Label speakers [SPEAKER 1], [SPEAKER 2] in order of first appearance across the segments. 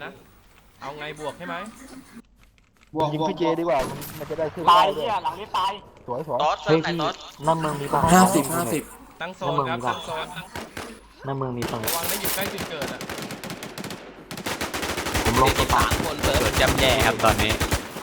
[SPEAKER 1] นะเอาไงบวกใช่ไหม
[SPEAKER 2] ยิงพี่เจดีกว่ามันจะได้ขึ้น
[SPEAKER 3] ตายเนี่ยหลังนี้ตาย
[SPEAKER 2] สวย
[SPEAKER 4] ต๊อดเซิร์ฟไหนต๊อด
[SPEAKER 5] น้ำเมืองมีป่ะ
[SPEAKER 6] 50
[SPEAKER 1] ตั้งโซนครับตั้งโซน
[SPEAKER 5] น้ำเมืองมีป่ะ
[SPEAKER 1] ระวังนะอยู่ใกล้จุดเกิดอ่ะ
[SPEAKER 5] ผมลง
[SPEAKER 4] มี3 คนเซิร์ฟจำแย่ครับตอนนี้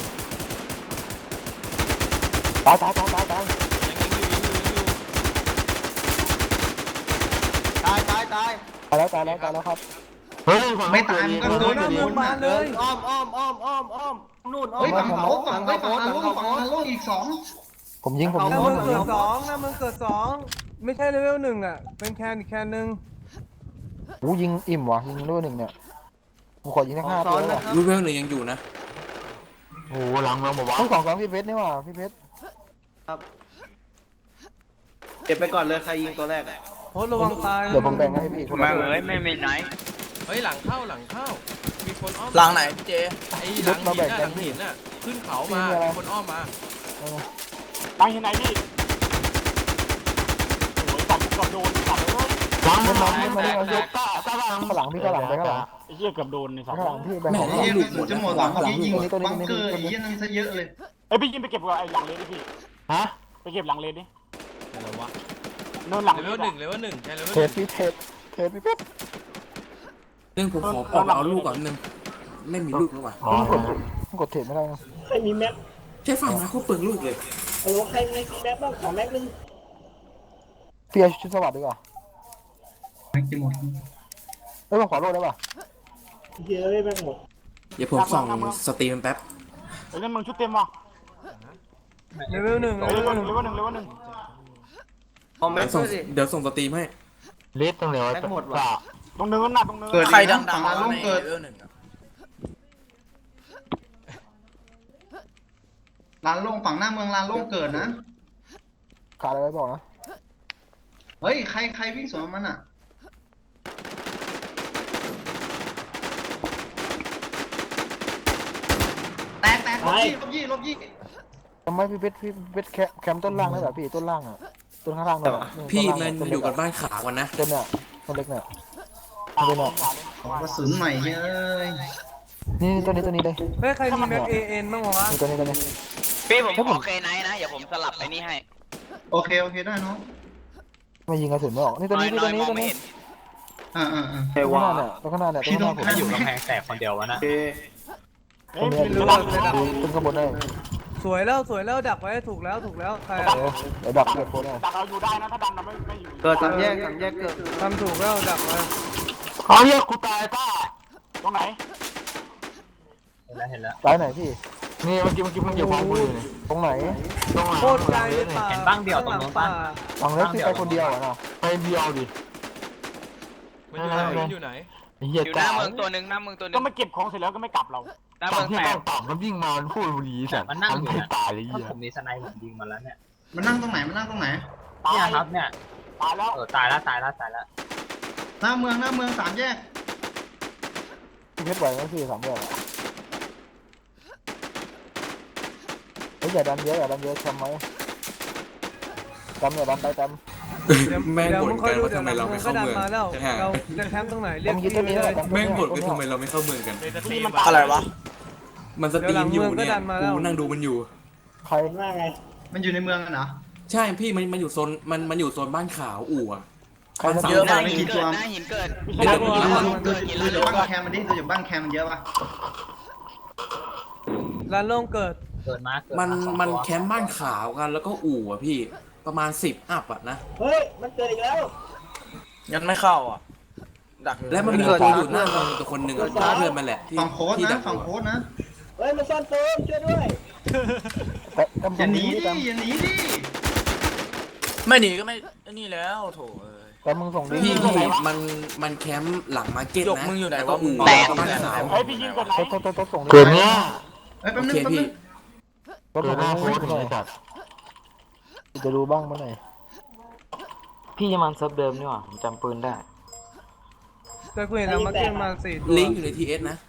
[SPEAKER 2] ตาย
[SPEAKER 1] ยังอยู่
[SPEAKER 3] ตาย
[SPEAKER 2] แล้วครับ
[SPEAKER 5] เฮ้ย
[SPEAKER 7] ไม่ตายมันก็โดน
[SPEAKER 3] เมืองบานเลยอ้อมนู่นอ้อม
[SPEAKER 7] เฮ้ยฝั่งเขาฝั่งฮาโลอีก2
[SPEAKER 2] ผมยิง
[SPEAKER 3] หน้าเมืองเกิด2ไม่ใช่เลเวล1อ่ะเป็นแคนอีกแคนนึง
[SPEAKER 2] ยิงอิ่มว่ะยิงด้วย1เนี่ยผมขอยิงทั้ง5ตัวเลย
[SPEAKER 6] รูปเวลหนึ่งยังอยู่นะ
[SPEAKER 5] โอ้หลังเมืองบอกว่า
[SPEAKER 2] ทั้ง2พี่เพชรนี่ว่ะพี่เพชร
[SPEAKER 3] เก็บไปก่อนเลยใครยิงตัวแรกโคตรระวังตาย
[SPEAKER 2] เดี๋ยวผมแบ่งให้พี่คนละ
[SPEAKER 4] ไม่มีไหน
[SPEAKER 1] เฮ้ยหลังเข้ามีคนอ้อม
[SPEAKER 4] หลังไหนเจ
[SPEAKER 1] ไอ้หลังหินน่ะขึ้นเขามามีคนอ้อมมา
[SPEAKER 3] ตายที่ไหนพี่โอ้ยจับกับโดนจับเลย
[SPEAKER 5] หลัง
[SPEAKER 2] มัน
[SPEAKER 5] หลัง
[SPEAKER 2] มัน
[SPEAKER 5] ยกก้าหลัง
[SPEAKER 2] ข้างหลังพี่ข้างหลังไปข้างหลัง
[SPEAKER 3] ไอ้เหี้ยเกือบโดนในสัตว์
[SPEAKER 2] ข้างหลังพี่แบ่งของ
[SPEAKER 7] เยี่ยมจะหมดหลังยิงบังเกอร์อีกนั่นซะเยอะเลย
[SPEAKER 3] ไอ้พี่ยิงไปเก็บกับไอ้หลังเลนดิพี่
[SPEAKER 5] ฮะ
[SPEAKER 3] ไปเก็บหลังเลนดิ
[SPEAKER 1] อะไรวะ
[SPEAKER 3] โดนหลัง
[SPEAKER 1] เลเวล1ใช่เลเวล
[SPEAKER 2] เทสพี่เทสพี่เพชร
[SPEAKER 6] เรื่องผมขอเอาลูกก่อนนึงไม่มีลูกแล้วว่ะ
[SPEAKER 5] อ๋อก
[SPEAKER 2] ดเทสไม่ได้
[SPEAKER 8] ใครมีแม็ก
[SPEAKER 6] แค่ฟังมาเขาเปลืองลูกเลย
[SPEAKER 8] โอ้ใครมีแม็กบ้างขอแม็กนึง
[SPEAKER 2] พี่ชุดสวัสดิ์ดีกว่า
[SPEAKER 7] จะหมด
[SPEAKER 2] ผมขอโลดได้ป่ะ
[SPEAKER 8] เยอะเลยแม็กหมด
[SPEAKER 6] เดี๋ยวผมส่องสตรีมแป๊บ
[SPEAKER 3] ไอ้นั่นมึงชุดเต็มว่ะเลเวล1เลเวล1คอมเมนต์ด้วยสิ
[SPEAKER 6] เดี๋ยวส่งสตรีมให้
[SPEAKER 5] เลสตรงไหนวะ
[SPEAKER 3] ตรงเนินน่ะตรงเนิน
[SPEAKER 7] เกิด
[SPEAKER 4] ใครดัง
[SPEAKER 7] ฝั่งฮาโลเกิดลานโล่งฝั่งหน้าเมืองลานโล่งเกิดนะ
[SPEAKER 2] ขาดอะไรบอกนะ
[SPEAKER 7] เฮ้ยใครวิ่งสวนมันอ่ะแตกลบยี่
[SPEAKER 2] ทำไมพี่เพชรแคมต้นล่างได้เหรอพี่ต้นล่างอ่ะต้นข้างล่าง
[SPEAKER 6] พี่มันอยู่กับบ้านขาวกันนะ
[SPEAKER 2] ต้นเนี่ยต้นเล็กเนี่ยต้นเนี่ย
[SPEAKER 7] กระสุนใหม่เฮ้ย
[SPEAKER 2] นี่ต้นนี้เลย
[SPEAKER 3] เฮ้ยใครมีแม็กเอ็นบ้างวะ
[SPEAKER 2] นี่ต้นนี้
[SPEAKER 4] พี่ผมขอเคไนท์นะอย่าผมสลับไปนี่ให้
[SPEAKER 7] โอเคได้น้อง
[SPEAKER 2] ไม่ยิงกระสุนไม่ออกนี่ต้นนี้
[SPEAKER 4] มองไม่เห็น
[SPEAKER 2] ข้างหน้าเนี่ยต้นข้างหน้าเนี่ยต้นข้างหน้าผม
[SPEAKER 4] อยู่กำแพงแตกคนเดียววะนะ
[SPEAKER 3] เฮ้ยไม่รู้เลยดัก
[SPEAKER 2] ต้นข้างบนได้
[SPEAKER 3] สวยแล้วดักไว้ถูกแล้วใคร
[SPEAKER 2] เดี๋ยวดักเกิดโคตรได้
[SPEAKER 3] ดักเราอยู่ได้นะถ้าดันเราไม่อยู่
[SPEAKER 8] เกิด3 แยกเกิด
[SPEAKER 3] ทำถูกแล้วดักไว้
[SPEAKER 5] เขาเรียกกูตายต้า
[SPEAKER 3] ตรงไหน
[SPEAKER 8] เห็นแล้ว
[SPEAKER 2] ซ้ายไหนพี่
[SPEAKER 5] นี่เมื่อกี้มันเกี่ยวความกูอยู่นี่
[SPEAKER 2] ตรงไหน
[SPEAKER 5] ตรงหลัง
[SPEAKER 3] โคตรไกลเลยป่าเห็นบ้างเดียวตรงนู้นป่า
[SPEAKER 2] ฝั่งเล็กที่ไปคนเดียวอ่ะนะ
[SPEAKER 5] ไปเดียวดิ
[SPEAKER 1] มันอยู่ไหน
[SPEAKER 5] เฮีย
[SPEAKER 4] อยู่หน้าเมืองตัวหนึ่งหน้าเมืองตัวหนึ่
[SPEAKER 3] ก็
[SPEAKER 4] ง
[SPEAKER 3] ไม่เก็บของเสร็จแล้วก็ไม่กลับเรา
[SPEAKER 4] หน้า
[SPEAKER 5] ตอ
[SPEAKER 4] เมื
[SPEAKER 5] น
[SPEAKER 4] อง
[SPEAKER 5] ที่
[SPEAKER 4] แต
[SPEAKER 5] ต้อก งตอบมันวิ่งมามันพูดบุรีสัตว์มันไม่ตายเลยเฮีย
[SPEAKER 8] ผมมีสไนผมยิงมาแล้วเนี่ย
[SPEAKER 7] มันนั่งตรงไหน
[SPEAKER 8] เนี่ยครับเนี่ย
[SPEAKER 3] ตายแล้ว
[SPEAKER 8] ตายแล้ว
[SPEAKER 7] หน้าเมือง3 แยก
[SPEAKER 2] พี่เพชรไหวไหมพี่3 แบบอย่าดันเยอะทำไหมอย่าดันไป
[SPEAKER 6] แม่งบ่นกันว่าทำไมเราไม่เข้าเมือง
[SPEAKER 3] เราจะแคมป์ตรงไหนเรียก
[SPEAKER 2] ยึดต้นนี้
[SPEAKER 3] เลย
[SPEAKER 6] แม่งบ่นว่าทำไมเราไม่เข้าเมืองกัน
[SPEAKER 4] อะไรวะ
[SPEAKER 6] มันสตรีมอยู่เนี่ยกูนั่งดูมันอยู่
[SPEAKER 2] ใคร
[SPEAKER 8] ว่าไง
[SPEAKER 7] มันอยู่ในเมืองกันเหรอ
[SPEAKER 6] ใช่พี่มันอยู่โซนมันอยู่โซนบ้านขาวอู่อะ
[SPEAKER 2] ใครทำ
[SPEAKER 4] เยอะมากหินเกิดหน้าหินเกิด
[SPEAKER 7] ดูจากบ้านแคมมันดิดูจากบ้านแคมมันเยอะป่ะ
[SPEAKER 3] ร้านโล่งเกิด
[SPEAKER 8] เกิดมา
[SPEAKER 6] มันแคมป์บ้านขาวกันแล้วก็อู่อะพี่ประมาณ10 อัพอะนะ
[SPEAKER 8] เฮ้ยมันเกิดอีกแล้ว
[SPEAKER 4] ยันไม่เข้าอ่ะดัก
[SPEAKER 6] และมันมีตัวอยู่หน้าเมืองตัวคนหนึ่งอะเพื่อนมันแหละที่
[SPEAKER 7] ฝั่งโค้ด
[SPEAKER 6] ที่ดั
[SPEAKER 7] นะ
[SPEAKER 6] ก
[SPEAKER 7] ฝั่งโค้ดนะ
[SPEAKER 8] เฮ้ยมันซ่อนตัวช่วยด้วย
[SPEAKER 7] อย่าหนีดิ
[SPEAKER 4] ไม่หนีก็ไม่นี่แล้วโถ
[SPEAKER 2] แต่มึงส่งดิ
[SPEAKER 6] พี่มันแคมป์หลังมาร์เก็ต
[SPEAKER 4] ยก
[SPEAKER 6] นะ
[SPEAKER 4] มึงอยู่ไหน
[SPEAKER 6] แล้วก็
[SPEAKER 4] วะ
[SPEAKER 6] อู่
[SPEAKER 4] แตก
[SPEAKER 6] แล้วก็บ้านขาว
[SPEAKER 3] เฮ้ยพี่ยิงเกิดไหน
[SPEAKER 2] ต้องส่ง
[SPEAKER 5] เกิดเนี้ย
[SPEAKER 7] เฮ้ยแป๊บ
[SPEAKER 6] โอ
[SPEAKER 7] นึ
[SPEAKER 6] เค
[SPEAKER 7] ง
[SPEAKER 6] พี่
[SPEAKER 2] ก็
[SPEAKER 5] เกิดหน้าโค้ด
[SPEAKER 2] ห
[SPEAKER 5] เลยสัตว์
[SPEAKER 2] จะดูบ้างเมื่อไหร่
[SPEAKER 5] พี่จะมันเซิร์ฟเดิมนี่หว่าผมจำปืนได้
[SPEAKER 3] แต่กูเห็นเรามาเก็บมา4 ตัว
[SPEAKER 6] ลิงก์อยู่ในทีเอสนะ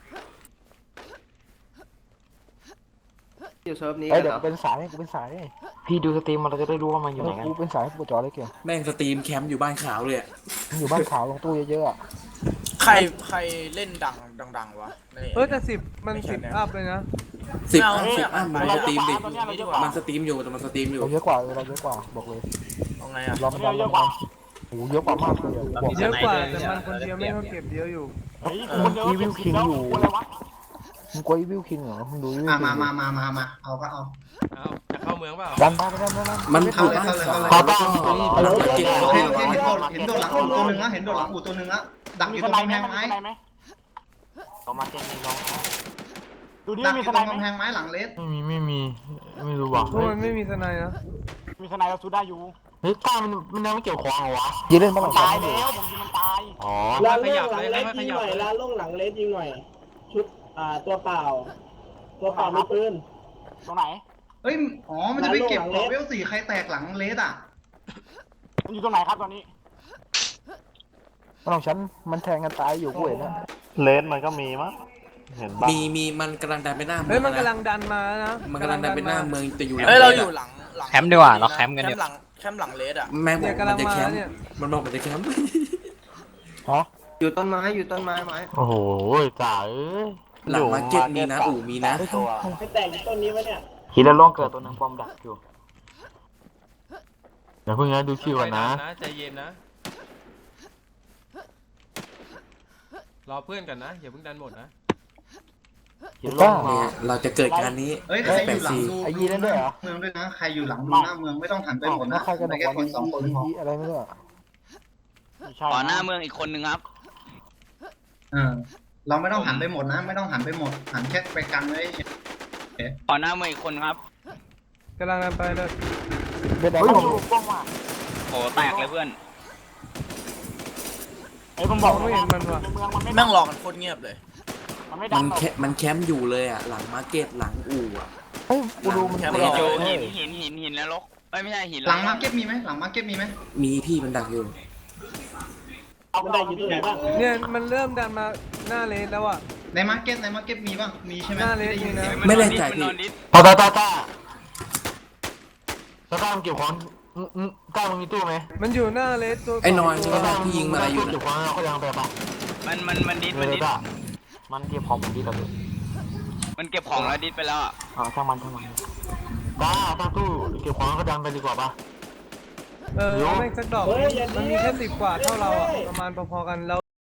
[SPEAKER 3] อยู่เซิร์ฟนี้
[SPEAKER 2] เดี๋ยวเป็นสายกูเป็นสาย
[SPEAKER 5] พี่ดูสตรีมมันเราจะได้รู้ว่ามันอยู่ไหนกัน
[SPEAKER 2] กูเป็นสายกูจอได้เก่ง
[SPEAKER 6] แม่งสตรีมแคมป์อยู่บ้านขาวเลยอะ
[SPEAKER 2] อยู่บ้านขาวลงตู้เยอะๆ
[SPEAKER 4] ใครเล่นดังวะใน
[SPEAKER 3] แต่มัน10 อัพเลยนะ
[SPEAKER 6] สิบ
[SPEAKER 4] เอา
[SPEAKER 6] อัพ
[SPEAKER 4] เนี่ย
[SPEAKER 6] มันสตรีมดิ
[SPEAKER 4] ดีก
[SPEAKER 6] มั
[SPEAKER 4] ว่าน
[SPEAKER 6] สตรีมอยู่แต่มันสตรีมอยู่
[SPEAKER 2] เราเยอะกว่าเราเยอะกว่าบอกเลย
[SPEAKER 4] เอาไงอ่ะ
[SPEAKER 2] รอมันดันโอ้โหเยอะกว่ามากเลยบอก
[SPEAKER 3] เยอะกว่าแต่มันคนเดียวไม่ก็เก็บเยอะอยู่
[SPEAKER 2] อีวิลคิงอยู่มึงกลัวอีวิลคิงเหรอมึงดูอีวิล
[SPEAKER 7] มา
[SPEAKER 2] คิง
[SPEAKER 7] มาเอาก็เอา
[SPEAKER 1] เอาจะเข้าเมืองเปล่า
[SPEAKER 2] ดันบ้าไปดัน
[SPEAKER 6] มันถูก
[SPEAKER 7] เข้าเลย
[SPEAKER 2] ต่อต่อ
[SPEAKER 7] เห็นโดดหลังอู่ตัวหนึ่งนะเห็นโดดหลังอู่ตัวหนึ่งนะดักอยู่ตรงกำแพงไม้
[SPEAKER 5] ต่อมาเจนนี่น้อง
[SPEAKER 7] ดักอยู่ตรงกำแพงไม้หลังเลส
[SPEAKER 2] ไม่มีไม่รู้ว่ะ
[SPEAKER 3] เพราะมันไม่มีสไนนะ
[SPEAKER 2] เฮ้ยกล้ามันยังไม่เกี่ยวของเหรอวะยืนเล่นบ้านหลังตายแล้วอ๋อ
[SPEAKER 8] ลานล่งหลังเลสยิงหน่อยลานล่งหลังเลสยิงหน่อย ชุดตัวเปล่ามีปืน
[SPEAKER 7] เฮ้ยอ๋อมันจะไปเก็บของเวล4ใครแตกหลังเลสอ่ะ
[SPEAKER 2] บ้านหลังฉันมันแทงกันตายอยู่กูเห็นนะ
[SPEAKER 8] เลสมันก็มีมั้งเห็นบ้าง
[SPEAKER 6] มีมันกำลังดันไปหน้าเมื
[SPEAKER 3] เฮ้ย
[SPEAKER 6] อง
[SPEAKER 3] มันกำลังดันมานะ
[SPEAKER 6] มันกำลังดันไปหน้าเมืองแต่อยู่
[SPEAKER 4] เฮ้ยเราอยู่หลัง
[SPEAKER 5] แคมป์ดีกว่าเราแคมป์กันเดี๋ยว
[SPEAKER 4] แคมป์หลังเลสอ่ะ
[SPEAKER 6] แม่งบ
[SPEAKER 3] เนี่
[SPEAKER 6] อย ก
[SPEAKER 3] กำลั
[SPEAKER 6] มัน
[SPEAKER 3] ง
[SPEAKER 6] จะ
[SPEAKER 3] มา
[SPEAKER 6] แคมป์
[SPEAKER 3] เนี่ย
[SPEAKER 6] มันบอกมันจะแคมป์
[SPEAKER 2] ฮะ
[SPEAKER 3] อยู่ต้นไม้ไม้
[SPEAKER 2] โอ้โหจ่าเอ้ย
[SPEAKER 6] หลังมาร์เก็ตมีนะอู่มีนะ
[SPEAKER 8] ให้แต่งต้นนี้วะเนี่ย
[SPEAKER 5] ฮิตแล้วล่องเกิดตัวนึงปอมดักอยู่
[SPEAKER 2] เดี๋ยวเพิ่งนะดูคิวก่อนนะ
[SPEAKER 1] ใจเย็นนะรอเพื่อนกันนะอย่าเพิ่งดันหมดนะ
[SPEAKER 5] ฮิตล่อง
[SPEAKER 6] เนี่ยเราจะเกิดการนี้
[SPEAKER 7] เฮ้ยใครอยู่หลังดู
[SPEAKER 2] ไอ้ยีนั่นด้วยเหรอ
[SPEAKER 7] เมืองด้วยนะใครอยู่หลังดูหน้าเมืองไม่ต้องหันไปหมด
[SPEAKER 2] แล้
[SPEAKER 7] นะ
[SPEAKER 2] วใครกัน
[SPEAKER 7] ไป
[SPEAKER 2] บอก
[SPEAKER 7] แค่
[SPEAKER 2] ว่า
[SPEAKER 7] คนสองคนพอ
[SPEAKER 2] อะไรไม่รู้อะ
[SPEAKER 5] ต่อหน้าเมืองอีกคนนึงครับ
[SPEAKER 7] เราไม่ต้องหันไปหมดนะ ไม่ต้องหันไปหมดหันแค่ไปกันไว้
[SPEAKER 5] ต่อหน้าเมืองอีกคนครับ
[SPEAKER 3] กำลังดันไปเลย
[SPEAKER 2] เบ็ดแดง
[SPEAKER 5] โอ้แตกเลยเพื่อน
[SPEAKER 3] บอกไม่เห็นมันว่ะ
[SPEAKER 4] แม่งรอกันโคตรเงียบเลย
[SPEAKER 6] มันแคมป์อยู่เลยอ่ะหลังมาร์เก็ตหลังอู่อ่ะ
[SPEAKER 2] เฮ้ยกูดูมัน
[SPEAKER 4] แคมป์
[SPEAKER 2] เ
[SPEAKER 4] รอ
[SPEAKER 5] หินแล้วลกไม่ใช่หิน
[SPEAKER 7] หลังมาร์เก็ตมีไหมหลังมาร์เก็ตมีไหม
[SPEAKER 6] มีพี่มันดักอยู่
[SPEAKER 8] มันได้อยู่ตรงไหนบ้าง
[SPEAKER 3] เนี่ยมันเริ่มดันมาหน้าเลสแล้วอ่ะ
[SPEAKER 7] ในมาร์เก็ตมีบ้างมีใช่ไหม
[SPEAKER 3] หน้าเลสมีนะ
[SPEAKER 6] ไม่แน่ใจพี่
[SPEAKER 2] ต่อตามันเกี่ยวของกล้ามึงมีตู้ไหม
[SPEAKER 3] มันอยู่หน้าเลสตัว
[SPEAKER 6] ไอ้นอยใช่ไหมที่ยิงมาอะไรอยู่
[SPEAKER 2] เกี่ยว
[SPEAKER 6] นะ
[SPEAKER 2] ของเขายังไปปะ
[SPEAKER 5] มันดิส
[SPEAKER 2] มันเก็บของมันดีแล้ว
[SPEAKER 5] มันเก็บของแล้วดิสไปแล้วอ่ะช่างมันกล้าตั้งตู้เก็บของก็ดันไปดีกว่าปะ
[SPEAKER 3] เอาแม่งสักดอกมันมีแค่10 กว่าเท่าเราอ่ะประมาณพอๆกันเรา